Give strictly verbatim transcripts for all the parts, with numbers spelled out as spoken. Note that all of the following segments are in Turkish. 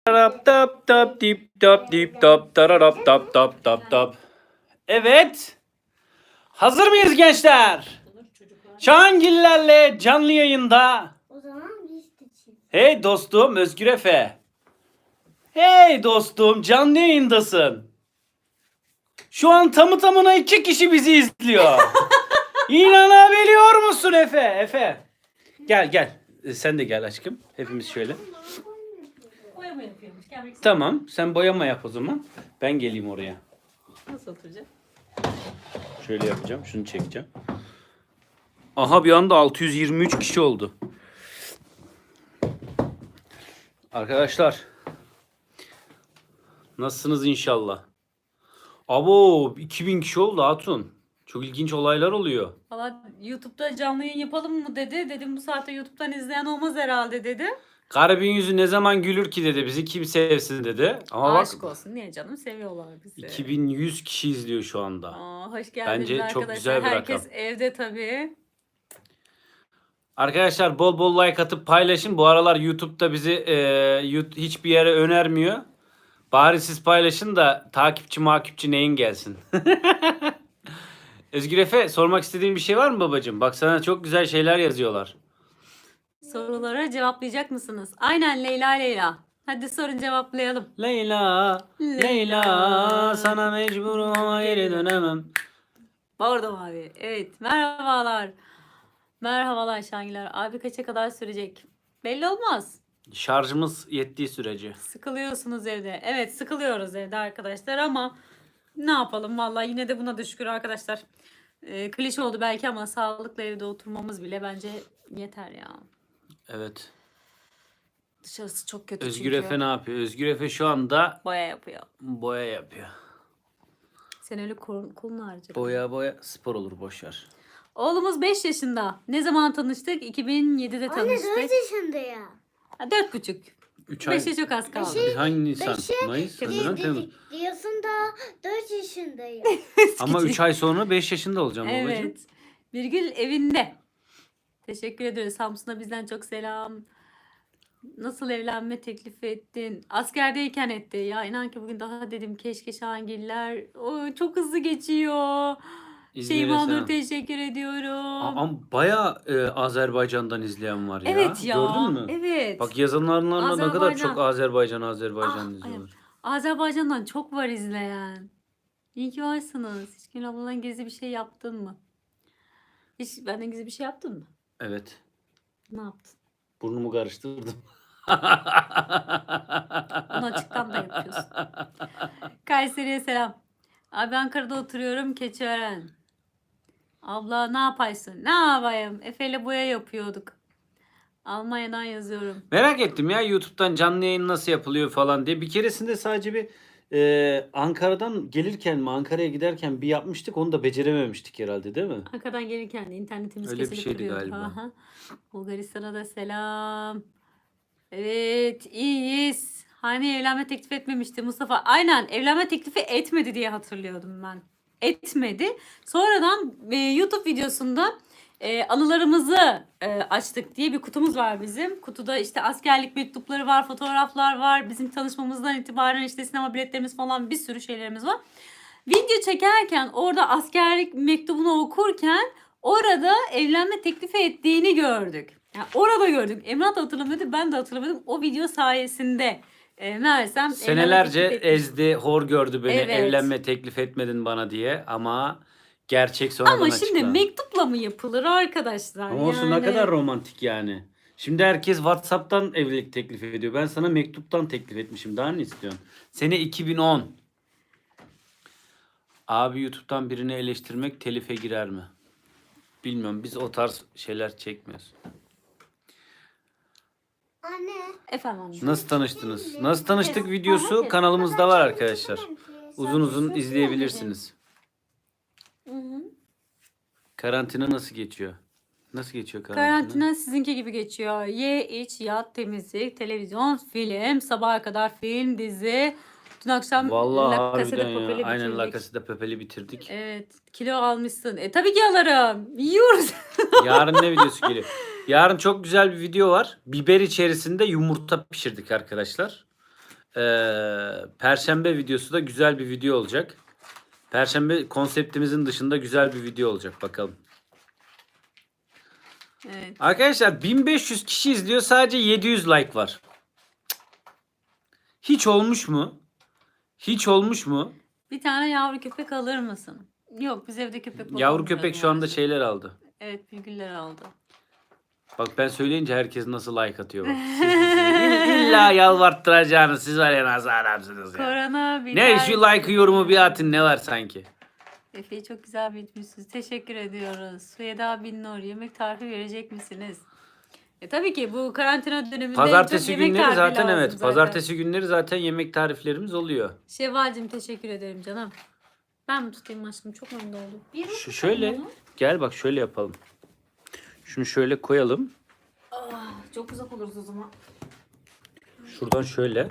Tarap tap tap dip tap dip tap tararap tap tap tap tap. Evet. Hazır mıyız gençler? Şahangillerle canlı yayında. O zaman biz de çift. Hey dostum Özgür Efe. Hey dostum canlı yayındasın. Şu an tamı tamına iki kişi bizi izliyor. İnanabiliyor musun Efe? Efe. Gel gel. E, Sen de gel aşkım. Hepimiz şöyle. Boyama yapıyormuş. Gelmek istedim. Tamam. Sen boyama yap o zaman. Ben geleyim oraya. Nasıl oturacak? Şöyle yapacağım. Şunu çekeceğim. Aha bir anda altı yüz yirmi üç kişi oldu. Arkadaşlar. Nasılsınız inşallah? Abo iki bin kişi oldu Hatun. Çok ilginç olaylar oluyor. Valla YouTube'da canlı yayın yapalım mı dedi. Dedim bu saatte YouTube'dan izleyen olmaz herhalde dedi. Garibin yüzü ne zaman gülür ki dedi. Bizi kim sevsin dedi. Ama Aşk bak olsun. Niye canım? Seviyorlar bizi. iki bin yüz kişi izliyor şu anda. Aa, hoş geldiniz Bence çok arkadaşlar. güzel bir Herkes rakam. evde tabii. Arkadaşlar bol bol like atıp paylaşın. Bu aralar YouTube'da bizi e, yut- hiçbir yere önermiyor. Bari siz paylaşın da takipçi makipçi neyin gelsin. Özgür Efe sormak istediğin bir şey var mı babacığım? Bak sana çok güzel şeyler yazıyorlar. Sorulara cevaplayacak mısınız? Aynen Leyla Leyla. Hadi sorun cevaplayalım. Leyla, Leyla sana mecburum ama geri dönemem. Bordo abi. Evet. Merhabalar. Merhabalar Şangiler. Abi kaça kadar sürecek? Belli olmaz. Şarjımız yettiği sürece. Sıkılıyorsunuz evde. Evet sıkılıyoruz evde arkadaşlar ama ne yapalım vallahi yine de buna da şükür arkadaşlar. Ee, klişe oldu belki ama sağlıklı evde oturmamız bile bence yeter ya. Evet. Dışarısı çok kötü Özgür çünkü. Efe ne yapıyor? Özgür Efe şu anda Boya yapıyor. boya yapıyor. Sen öyle kol, kolunu harca. Boya boya spor olur boşver. Oğlumuz beş yaşında. Ne zaman tanıştık? iki bin yedide Anne tanıştık. dört yaşında ya. Ha, dört buçuk. üç ay. beşe çok az kaldı. Biz hangi Nisan? Beşe- Mayıs, Di- Haziran, di- Temmuz. di- diyorsun da dört yaşındayım. Ama üç ay sonra beş yaşında olacağım babacığım. Evet. Birgül evinde. Teşekkür ederiz. Samsun'a bizden çok selam. Nasıl evlenme teklifi ettin? Askerdeyken etti. Ya inan ki bugün daha dedim keşke Şahangiller. O çok hızlı geçiyor. İzmir'e Şeyma Nur selam. teşekkür ediyorum. Ama baya e, Azerbaycan'dan izleyen var ya. Evet ya. Gördün mü? Evet. Bak yazanlarla ne kadar Azerbaycan. çok Azerbaycan Azerbaycan Ah, izliyorlar. Azerbaycan'dan çok var izleyen. İyi ki varsınız. Hiç Gül abladan gizli bir şey yaptın mı? Hiç benden gizli bir şey yaptın mı? Evet. Ne yaptın? Burnumu karıştırdım. Onu açıktan da yapıyorsun. Kayseri'ye selam. Abi Ankara'da oturuyorum Keçiören. Abla ne yapaysın? Ne yapayım? Efe'yle boya yapıyorduk. Almanya'dan yazıyorum. Merak ettim ya YouTube'dan canlı yayın nasıl yapılıyor falan diye. Bir keresinde sadece bir e, Ankara'dan gelirken mi Ankara'ya giderken bir yapmıştık. Onu da becerememiştik herhalde değil mi? Ankara'dan gelirken de internetimiz Öyle bir kesilip şeydi duruyor. galiba. Aha. Bulgaristan'a da selam. Evet iyiyiz. Hani evlenme teklif etmemişti Mustafa. Aynen evlenme teklifi etmedi diye hatırlıyordum ben. Etmedi. Sonradan e, YouTube videosunda e, anılarımızı e, açtık diye bir kutumuz var bizim. Kutuda işte askerlik mektupları var, fotoğraflar var. Bizim tanışmamızdan itibaren işte sinema biletlerimiz falan bir sürü şeylerimiz var. Video çekerken orada askerlik mektubunu okurken orada evlenme teklifi ettiğini gördük. Yani orada gördük. Emrah da hatırlamadı, ben de hatırlamadım. O video sayesinde e, meğersem evlenme Senelerce teklif etmiş. ezdi, hor gördü beni. Evet. Evlenme teklif etmedin bana diye ama gerçek sonradan Ama şimdi açıklandı. mektupla mı yapılır arkadaşlar? Ama olsun ne Yani- kadar romantik yani. Şimdi herkes WhatsApp'tan evlilik teklifi ediyor. Ben sana mektuptan teklif etmişim. Daha ne istiyorsun? Sene iki bin on. Abi YouTube'dan birini eleştirmek telife girer mi? Bilmiyorum. Biz o tarz şeyler çekmiyoruz. Anne. Efendim anne. Nasıl tanıştınız? Nasıl tanıştık Evet. videosu Herkes. kanalımızda var arkadaşlar. Sen Uzun uzun söyle. izleyebilirsiniz. Hı hı. Karantina nasıl geçiyor? Nasıl geçiyor karantina? Karantina sizinki gibi geçiyor. Ye, iç, yat, temizlik, televizyon, film, sabaha kadar film, dizi. Dün akşam Vallahi La Casa de harbiden ya. Papel'i Aynen La bitirdik. Casa de Papel'i bitirdik. Evet. Kilo almışsın. E tabii ki alırım. Yiyoruz. Yarın ne videosu geliyor? Yarın çok güzel bir video var. Biber içerisinde yumurta pişirdik arkadaşlar. Ee, Perşembe videosu da güzel bir video olacak. Perşembe konseptimizin dışında güzel bir video olacak bakalım. Evet. Arkadaşlar bin beş yüz kişi izliyor, sadece yedi yüz like var. Hiç olmuş mu? Hiç olmuş mu? Bir tane yavru köpek alır mısın? Yok, biz evde köpek Yavru bakmıyoruz köpek şu anda maalesef. şeyler aldı. Evet, bilgiler aldı. Bak ben söyleyince herkes nasıl like atıyor bak. Siz bizi İlla yalvarttıracağınız, siz var ya nasıl adamsınız ya. Korona bir Ne şu like yorumu bir atın, ne var sanki. Efe'yi çok güzel bitmişsiniz. Teşekkür ediyoruz. Süheda bin Nur, yemek tarifi verecek misiniz? E tabii ki bu karantina döneminde en Pazartesi çok yemek günleri tarifi zaten lazım evet. zaten. Pazartesi günleri zaten yemek tariflerimiz oluyor. Şevval'cim teşekkür ederim canım. Ben mi tutayım aşkım? Çok memnun oldum. Bir Şu şöyle gel bak şöyle yapalım. Şunu şöyle koyalım. Ah, çok uzak oluruz o zaman. Şuradan şöyle.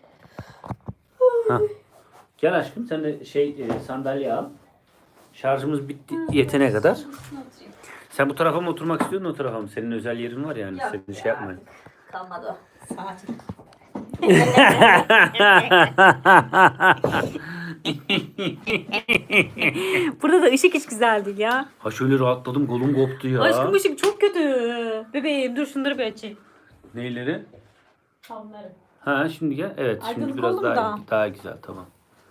Hah. Gel aşkım sen de şey e, sandalye al. Şarjımız bitti yetene kadar. Sen bu tarafa mı oturmak istiyorsun, o tarafa mı? Senin özel yerin var yani. Yok Senin şey yapma. Kalmadı o. Sakin. Burada da ışık hiç güzel değil ya. Ha şöyle rahatladım, kolum koptu ya. Aşkım ışık çok kötü. Bebeğim dur şunları bir açayım. Neyleri? Tamları. Ha şimdi gel. Evet şimdi Aydınlık biraz oldu mu daha daha? daha güzel, tamam.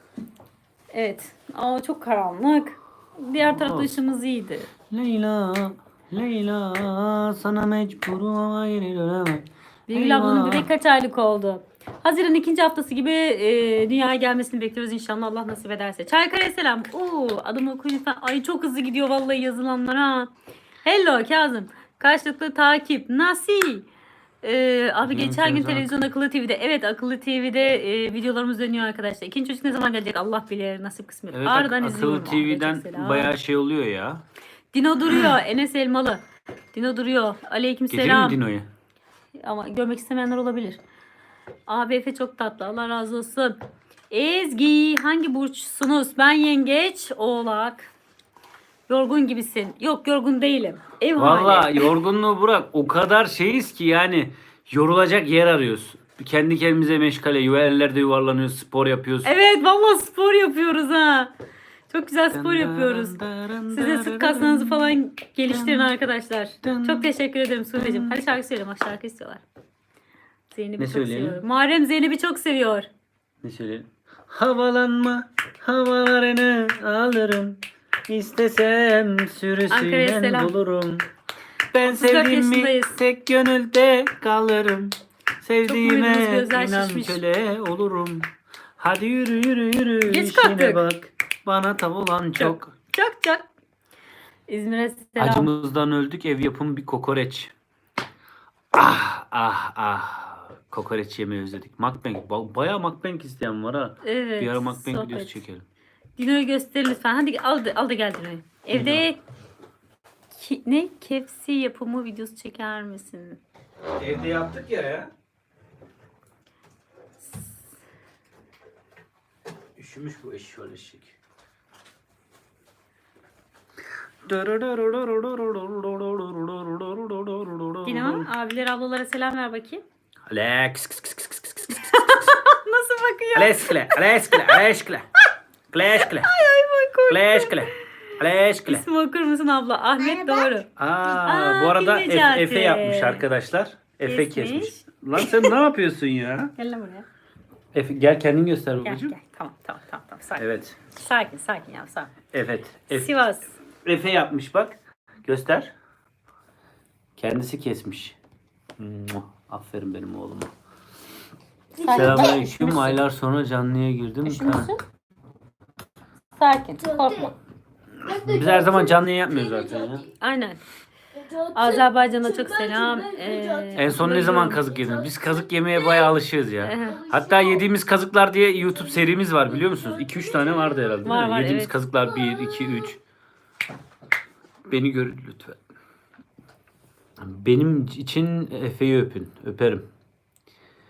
Evet. Ama çok karanlık. Diğer tarafta Olsun. ışığımız iyiydi. Leyla, Leyla sana mecburum ama yine dönemem. Birgül ablanın Eyvah. bebek kaç aylık oldu? Haziran ikinci haftası gibi e, dünyaya gelmesini bekliyoruz inşallah, Allah nasip ederse. Çaykara selam. Oo, adımı okuyun lütfen. Ay çok hızlı gidiyor vallahi yazılanlar ha. Hello Kazım. Karşılıklı takip. Nasıl? Ee, abi Benim geçen gün Kazım. televizyon akıllı T V'de. Evet akıllı T V'de e, videolarımız dönüyor arkadaşlar. İkinci çocuk ne zaman gelecek Allah bilir, nasip kısmet. Evet, Ağrı'dan ak- izliyorum. akıllı T V'den Çok selam. bayağı şey oluyor ya. Dino duruyor. Enes Elmalı. Dino duruyor. Aleyküm Getireyim selam. mi Dino'yu? Ama görmek istemeyenler olabilir. Abi Efe çok tatlı. Allah razı olsun. Ezgi hangi burçsunuz? Ben yengeç, oğlak. Yorgun gibisin. Yok yorgun değilim. Ev hali. Valla yorgunluğu bırak. O kadar şeyiz ki yani yorulacak yer arıyoruz. Kendi kendimize meşgale, yerlerde yuvarlanıyoruz, spor yapıyoruz. Evet vallahi spor yapıyoruz ha. Çok güzel spor yapıyoruz. Siz de sırt kaslarınızı falan geliştirin arkadaşlar. Çok teşekkür ederim Sude'cim. Hadi şarkı söyleyelim. Bak şarkı istiyorlar. Zeynep'i Ne çok söyleyelim? seviyor. Muharrem Zeynep'i çok seviyor. Ne söyleyelim? Havalanma, havalarını alırım. İstesem Ankara'ya sürüsüyle selam. bulurum. Ben otuz dört sevdim mi yaşındayız. tek gönülde kalırım. Sevdiğime mutluyuz, gözler inan şişmiş. köle olurum. Hadi yürü yürü yürü Geç işine kalktık. bak. Bana tav olan çok. Çok çok. İzmir'e selam. Acımızdan öldük, ev yapımı bir kokoreç. Ah ah ah. Kokoreç yemeyi özledik. Mukbang. Ba- Bayağı mukbang isteyen var ha. Evet. Bir ara mukbang sohbet. videosu çekelim. Dino'yu göster lütfen. Hadi al da, al da gel Dino'yu. Evde ki, ne? Kepsi yapımı videosu çeker misin? Evde yaptık ya ya. Üşümüş bu eşşoğlu eşek. Dino, abiler ablalara selam ver bakayım. Alex. Nasıl bakıyor? Alex kle. Alex kle. Alex kle. Alex kle. Alex kle. Alex kle. İsmi okur musun abla? Ahmet doğru. Aa, Aa, bu arada Bin Efe, Necati. Efe yapmış arkadaşlar. Efe Kesmiş. kesmiş. Lan sen ne yapıyorsun ya? Gel lan buraya. Efe gel kendin göster Gel babacığım. gel. Tamam tamam tamam. tamam. Sakin. Evet. Sakin sakin ya sakin. Evet. Efe, Sivas. Efe yapmış bak. Göster. Kendisi kesmiş. Muah, aferin benim oğluma. Selamünaleyküm. Aylar sonra canlıya girdim. Üşümüşsün. Sakin. Korkma. Biz her zaman canlı yayın yapmıyoruz zaten ya. Aynen. Azerbaycan'a çok selam. Ee, En son ne zaman kazık yediniz? Biz kazık yemeye bayağı alışığız ya. Evet. Hatta yediğimiz kazıklar diye YouTube serimiz var biliyor musunuz? iki üç tane vardı herhalde. değil Var, mi? var, Yediğimiz evet. kazıklar bir, iki, üç. Beni görün lütfen. Benim için Efe'yi öpün. Öperim.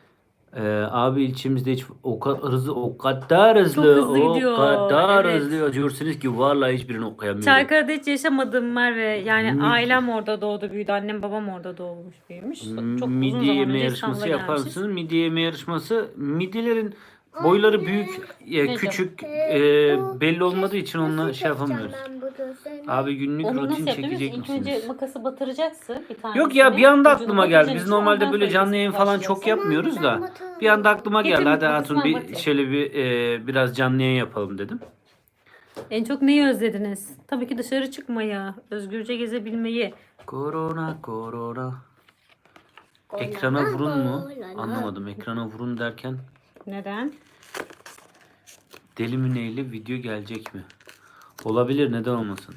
Ee, abi ilçemizde hiç o kadar hızlı, o kadar hızlı, Çok hızlı o gidiyor, kadar evet. hızlı yazıyorsunuz ki vallahi hiçbirini okuyamıyorum. Çaykara'da hiç yaşamadım Merve. Yani Mid- ailem orada doğdu büyüdü. Annem babam orada doğmuş büyümüş. Çok uzun Midye zaman yeme önce yarışması İstanbul'a yapar gelmişiz. mısınız? Midye yeme yarışması. Midyelerin boyları büyük, e, Ne küçük, Ee, e, bu belli olmadığı için onunla nasıl şey yapamıyoruz. yapacağım ben bu gözünü? Abi günlük Onu rutin nasıl yapıyoruz? çekecek İlk önce misiniz? makası batıracaksın bir tanesini. Yok ya bir anda Ucunu aklıma geldi. Biz batıracaksın, normalde ondan böyle sonra canlı yayın kesmeye falan çok başlayacaksın. yapmıyoruz ben da. batıyorum. Bir anda aklıma Getir geldi. Hadi makasını Hatun bir batır. şöyle bir e, biraz canlı yayın yapalım dedim. En çok neyi özlediniz? Tabii ki dışarı çıkmayı, özgürce gezebilmeyi. Korona korona. Ekrana vurun mu? Anlamadım. Ekrana vurun derken Neden? deli mi neyle video gelecek mi? Olabilir, neden olmasın?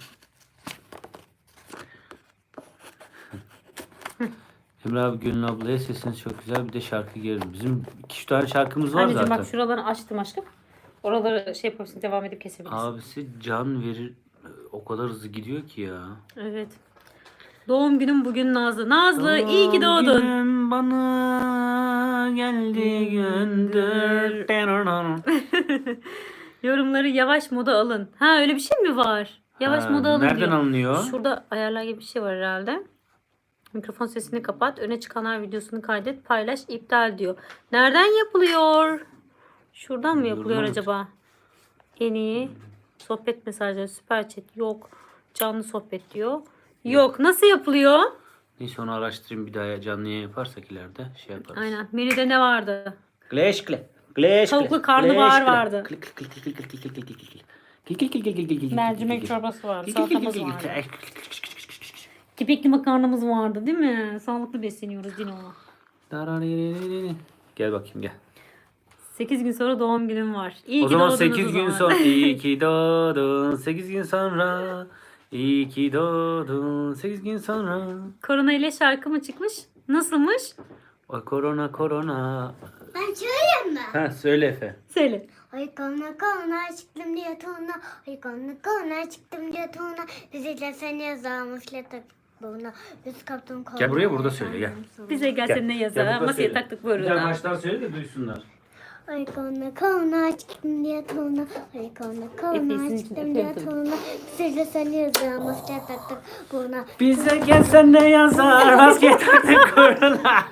Emre abi, Gönül ablaya sesiniz çok güzel, bir de şarkı gelirim. Bizim iki üç tane şarkımız var Anneciğim zaten. bak şuralarını açtım aşkım. Oraları şey yapabilirsin, devam edip kesebilirsin. Abisi can verir, o kadar hızlı gidiyor ki ya. Evet. Doğum günüm bugün Nazlı. Nazlı iyi ki Doğum doğdun. günüm bana geldi gündür. Yorumları yavaş moda alın. Ha öyle bir şey mi var? Yavaş Ha, moda alın nereden diyor. alınıyor? Şurada ayarlar gibi bir şey var herhalde. Mikrofon sesini kapat. Öne çıkanlar videosunu kaydet. Paylaş. iptal diyor. Nereden yapılıyor? Şuradan mı yapılıyor Yoruma- acaba? En iyi. Sohbet mesajları. Süper chat. Yok. Canlı sohbet diyor. Yok. Nasıl yapılıyor? Neyse onu araştırayım, bir daha canlı yayın yaparsak ileride şey yaparız. Aynen. Menüde ne vardı? Gleşkle. Gleşkle. Tavuklu karnabahar gleşkle. vardı. Klik, klik, klik, klik, klik, klik, klik, klik, klik, klik. Klik, klik, klik, klik, klik, klik, klik, Mercimek klik, çorbası vardı. klik, klik, klik, Salatamız klik, klik, vardı. klik. Kepekli makarnamız vardı değil mi? Sağlıklı besleniyoruz Dino. Gel bakayım, gel. sekiz gün sonra doğum günüm var. İyi O ki zaman doğdunuz sekiz o gün zaman. sonra iyi ki doğdun. sekiz gün sonra iyi ki doğdun. sekiz gün sonra. Korona ile şarkı mı çıkmış? Nasılmış? Ay korona korona. Ben söyleyeyim mi? Ha söyle Efe. Söyle. Ay kona kona çıktım diye tona. Ay kona kona çıktım diye tona. Bizi seni yazarmışlar tak buna. Biz kaptım kona. Gel buraya, burada söyle, gel. Bize gelse ne yazar? Masaya taktık buyurun. baştan söyle de duysunlar. Ay kona kona çıktım diye tona. Ay kona kona Efes'in çıktım için diye öpüyorum. tona. Bizi seni yazarmışlar taktık buna. Bize gelsen ne yazar, maske taktık korona.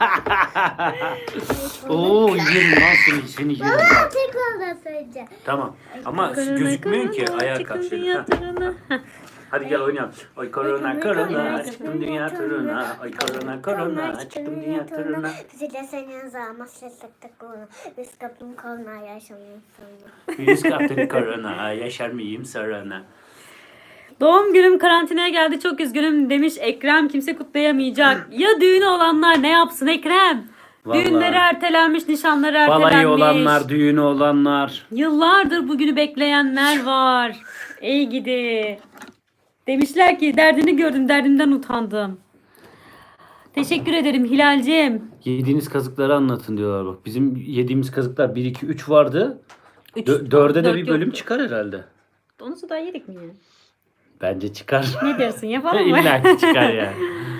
Oo yerim lan seni, seni yerim. Baba tekrar da söyleyeceğim. Tamam ama Korona, gözükmüyor ki, korona, ayağa çıktım kalk şöyle. dünya Ha. turuna. Heh. Hadi gel oynayalım. Ay korona Ay, korona korona, çıktım dünya turuna. Ay korona korona çıktım dünya turuna. Bizi de seni yazarmışlar taktık buna. Biz kaptım kona yaşamıyoruz sonra. Virüs kaptın korona, yaşar mıyım sorana. Doğum günüm karantinaya geldi çok üzgünüm demiş Ekrem. Kimse kutlayamayacak. Ya düğünü olanlar ne yapsın Ekrem? Vallahi. Düğünleri ertelenmiş, nişanları ertelenmiş. Balayı olanlar, düğünü olanlar. Yıllardır bugünü bekleyenler var. Ey gidi. Demişler ki derdini gördüm, derdimden utandım. Teşekkür ederim Hilal'cim. Yediğiniz kazıkları anlatın diyorlar bak. Bizim yediğimiz kazıklar bir iki üç vardı. Üç, Dö- dörde de dört bir bölüm yoktu. çıkar herhalde. Onu da yedik mi ya? Bence çıkar. Ne dersin yapalım mı? İlla ki çıkar yani.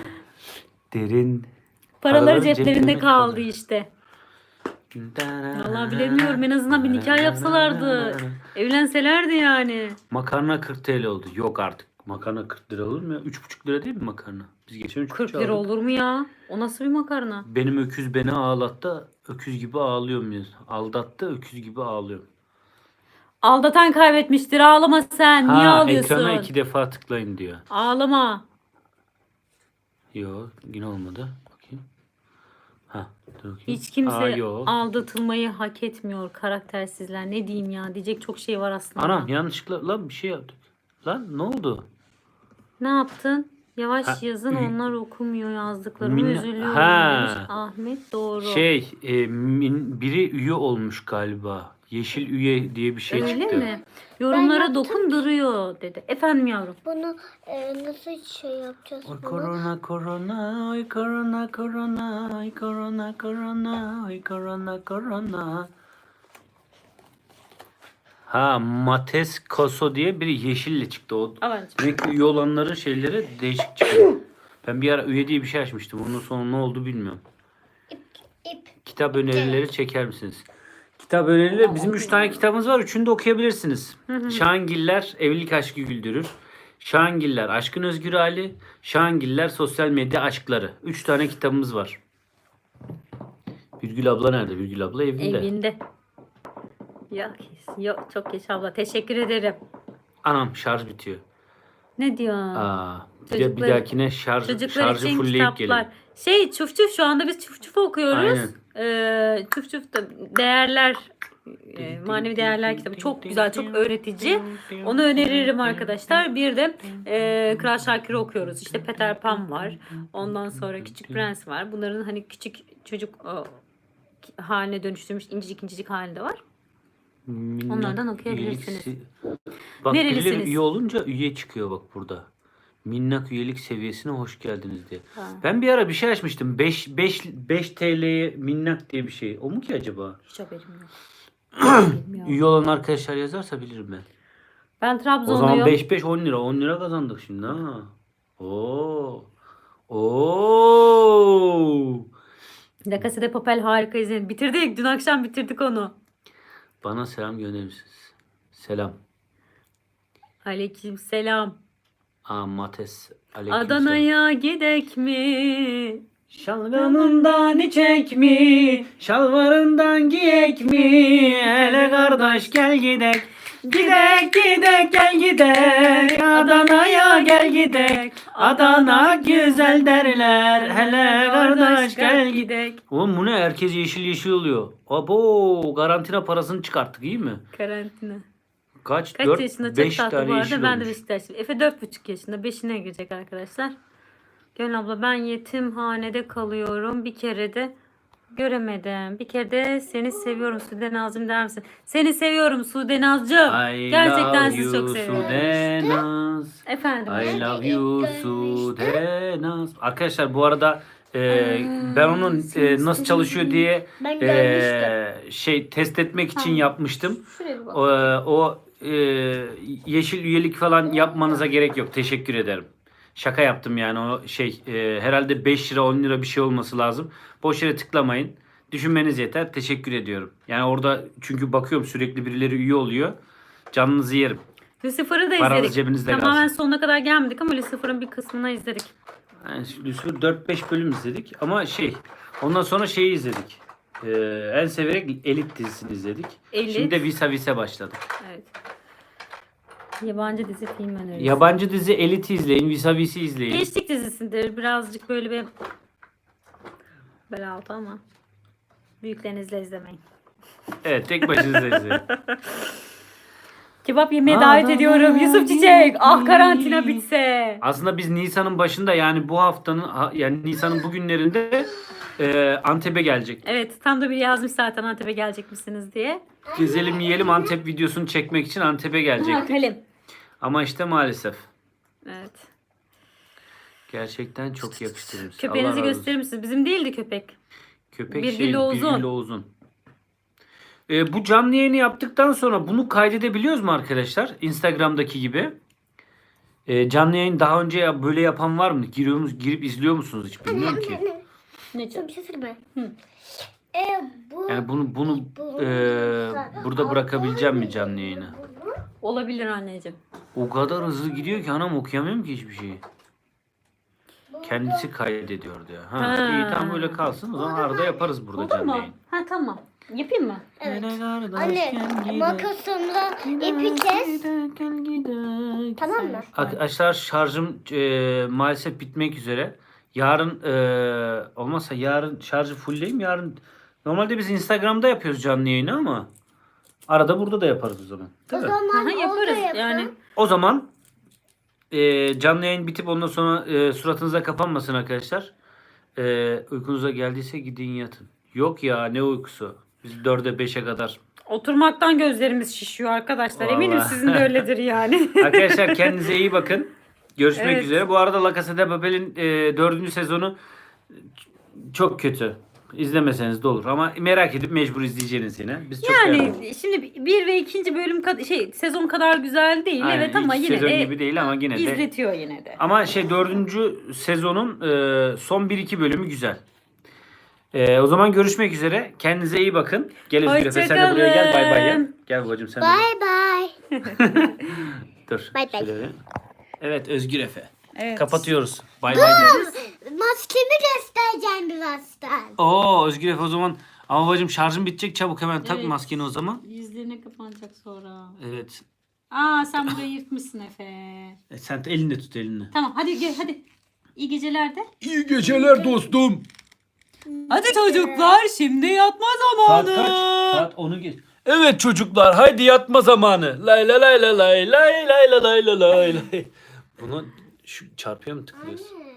Derin. Paraları Paraları ceplerinde ceplerinde kaldı kaldı. işte. Vallahi bilemiyorum, en azından bir nikah yapsalardı. Evlenselerdi yani. Makarna kırk T L oldu. Yok artık. Makarna kırk lira olur mu ya? üç buçuk lira değil mi makarna? Biz geçen üç kırk buçuk lira aldık. olur mu ya? O nasıl bir makarna? Benim öküz beni ağlattı. Öküz gibi ağlıyor muyuz? Aldattı, öküz gibi ağlıyorum. Aldatan kaybetmiştir, ağlama sen. Niye Ha, ağlıyorsun? ekrana iki defa tıklayın diyor. Ağlama. Yok, yine olmadı. Bakayım. Ha, dur bakayım. Hiç kimse Aa, yok. aldatılmayı hak etmiyor karaktersizler. Ne diyeyim ya, diyecek çok şey var aslında. Anam yanlışlıkla lan bir şey yaptık. Lan ne oldu? Ne yaptın? Yavaş Ha, yazın, ü- onlar okumuyor yazdıklarımı, Minna- üzülüyorum Ha. demiş Ahmet. Doğru. Şey, e, min- biri üye olmuş galiba. Yeşil üye diye bir şey Öyle çıktı. mi? Yorumlara yaptım. dokunduruyor dedi. Efendim yavrum. Bunu e, nasıl şey yapacağız Ay bunu? korona korona, ay korona korona, ay korona korona, ay korona korona. Ha, Mates Koso diye biri yeşille çıktı. O Alancım. demek ki üye olanların şeyleri değişik çıkıyor. Ben bir ara üye diye bir şey açmıştım. Ondan sonra ne oldu bilmiyorum. İp, ip. Kitap önerileri çeker misiniz? Kitap önerileri bizim üç tane kitabımız var. Üçünü de okuyabilirsiniz. Şahangiller Evlilik Aşkı Güldürür. Şahangiller Aşkın Özgür Hali. Şahangiller Sosyal Medya Aşkları. Üç tane kitabımız var. Virgül abla nerede? Virgül abla evinde. Evinde. Yok, yok çok geç abla. Teşekkür ederim. Anam şarj bitiyor. Ne diyor? Aa, bir, de, bir Çocuklar- dahakine şarj, Çocuklar şarjı için fullleyip kitaplar. gelin. Şey çuf çuf şu anda biz çuf çuf okuyoruz. Aynen. Ee, çuf çuf da değerler e, manevi değerler kitabı çok güzel, çok öğretici. Onu öneririm arkadaşlar. Bir de e, Kral Şakir'i okuyoruz. İşte Peter Pan var. Ondan sonra Küçük Prens var. Bunların hani küçük çocuk o, haline dönüştürmüş incecik incecik halinde var. Minnak Onlardan okuyabilirsiniz. üyelik se- Bak Nerelisiniz? birileri üye olunca üye çıkıyor bak burada. Minnak üyelik seviyesine hoş geldiniz diye. Ha. Ben bir ara bir şey açmıştım. beş beş beş T L'ye minnak diye bir şey. O mu ki acaba? Hiç haberim yok. Bilmiyorum. Üye olan arkadaşlar yazarsa bilirim ben. Ben O zaman Trabzonluyum. beş beş on lira. on lira kazandık şimdi ha. Oo. Oo. La Casa de Papel harika izledim. Bitirdik. Dün akşam bitirdik onu. Bana selam gönderir misiniz? Selam. Aleyküm selam. Aa Mates. Aleyküm selam. Adana'ya gidek mi? Şalgamından içek mi? Şalvarından giyek mi? Hele kardeş gel gidek. Gidek gidek gel gidek. Adana'ya gel gidek. Adana güzel derler. Hele kardeş gel gidek. gidek. Oğlum bu ne? Herkes yeşil yeşil oluyor. Abo karantina parasını çıkarttık iyi mi? Karantina. Kaç? Kaç dört, yaşında çok beş tatlı tane bu yeşil arada. Ben de olmuş. Beşiktaşlıyım. Efe dört buçuk yaşında. beşine girecek arkadaşlar. Gönül abla ben yetimhanede kalıyorum. Bir kere de göremedim. Bir kere de seni seviyorum Sude Nazım der misin? Seni seviyorum Sude Nazcığım. I Gerçekten love sizi çok you, seviyorum. Sude Naz. Efendim. I love you Sude Naz. Arkadaşlar bu arada e, ben onun e, nasıl çalışıyor diye Ben e, görmüştüm. şey test etmek için yapmıştım. Şuraya bir bak. O, o e, yeşil üyelik falan yapmanıza gerek yok. Teşekkür ederim. Şaka yaptım yani o şey e, herhalde beş lira on lira bir şey olması lazım. Boş yere tıklamayın. Düşünmeniz yeter. Teşekkür ediyorum. Yani orada çünkü bakıyorum sürekli birileri üye oluyor. Canınızı yerim. Lucifer'ı da Paranız izledik. cebinizde Tamamen kalsın. sonuna kadar gelmedik ama Lucifer'ın bir kısmını izledik. Yani Lucifer dört beş bölüm izledik ama şey ondan sonra şeyi izledik. Ee, en severek Elit dizisini izledik. Elit. Şimdi de Visa Visa başladık. Evet. Yabancı dizi film önerisi. Yabancı dizi Elit'i izleyin, Visa Visa'yı izleyin. Gençlik dizisidir. Birazcık böyle bir bel altı ama büyüklerinizle izlemeyin. Evet, tek başınıza izleyin. Kebap yemeye davet ediyorum. Yusuf Çiçek. Ah karantina bitse. Aslında biz Nisan'ın başında yani bu haftanın ha- yani Nisan'ın bugünlerinde e, Antep'e gelecek. Evet tam da biri yazmış zaten Antep'e gelecek misiniz diye. Gezelim yiyelim Antep videosunu çekmek için Antep'e Ha, gelecek. kalem. Ama işte maalesef. Evet. Gerçekten çok yakıştırmış. Köpeğinizi Allah razı olsun. gösterir misiniz? Bizim değildi köpek. Köpek Birgül şey, Oğuzun. Birgül Oğuzun. Ee, bu canlı yayını yaptıktan sonra bunu kaydedebiliyoruz mu arkadaşlar? Instagram'daki gibi. Ee, canlı yayın daha önce ya böyle yapan var mı? Giriyor musunuz, girip izliyor musunuz hiç bilmiyorum ki. Ne Sana bir şey söyleyeyim Hı. mi? E, bu, Yani bunu bunu bu- e, burada bırakabileceğim mi canlı yayını? Olabilir anneciğim. O kadar hızlı gidiyor ki anam okuyamıyorum ki hiçbir şeyi. Kendisi kaydediyordu ya. Ha, Ha. iyi tamam böyle kalsın. O zaman arada yaparız burada Oldu canlı mu? yayın. Ha tamam. Yapayım mı? Evet. Hele kardeş, Anne gel gidelim. makasımla ipi kes. Gel gidelim. Tamam mı? Arkadaşlar şarjım e, maalesef bitmek üzere. Yarın e, olmazsa yarın şarjı fullleyeyim. Yarın normalde biz Instagram'da yapıyoruz canlı yayını ama arada burada da yaparız o zaman. O Değil mi? zaman Aha, orada yaparız yapın. yani. O zaman e, canlı yayın bitip ondan sonra e, suratınıza kapanmasın arkadaşlar. E, uykunuza geldiyse gidin yatın. Yok ya ne uykusu. Biz dörde beşe kadar. Oturmaktan gözlerimiz şişiyor arkadaşlar. Eminim Vallahi. sizin de öyledir yani. Arkadaşlar kendinize iyi bakın. Görüşmek Evet. üzere. Bu arada La Casa de Papel'in e, dördüncü sezonu çok kötü. İzlemeseniz de olur. Ama merak edip mecbur izleyeceğiniz yine. Biz çok beğendik. Yani şimdi bir ve ikinci bölüm kad- şey sezon kadar güzel değil Aynen, evet ama ilk yine sezon de gibi değil ama yine de. izletiyor yine de. Ama şey dördüncü sezonun e, son bir iki bölümü güzel. Ee, o zaman görüşmek üzere. Kendinize iyi bakın. Gel Özgür Efe, sen de buraya gel. Bay bay gel. Hoşçakalın. Gel babacığım sen de. Bye bye. Dur. Bay bay. şöyle bir- Evet Özgür Efe. Evet. Kapatıyoruz. Bay bay diyoruz. Maskemi göstereceğim birazdan. Oo Özgür Efe o zaman. Ama babacığım şarjın bitecek, çabuk hemen tak Evet. maskeni o zaman. Yüzlerine kapanacak sonra. Evet. Aa sen burayı yırtmışsın Efe. E, sen de elinde tut elini. Tamam hadi gel hadi. İyi geceler de. İyi geceler dostum. Hadi çocuklar şimdi yatma zamanı. Saat onu geç. Evet çocuklar haydi yatma zamanı. Lay lay lay lay lay lay lay lay lay lay lay. Bunu şu çarpıya mı tıklıyorsun?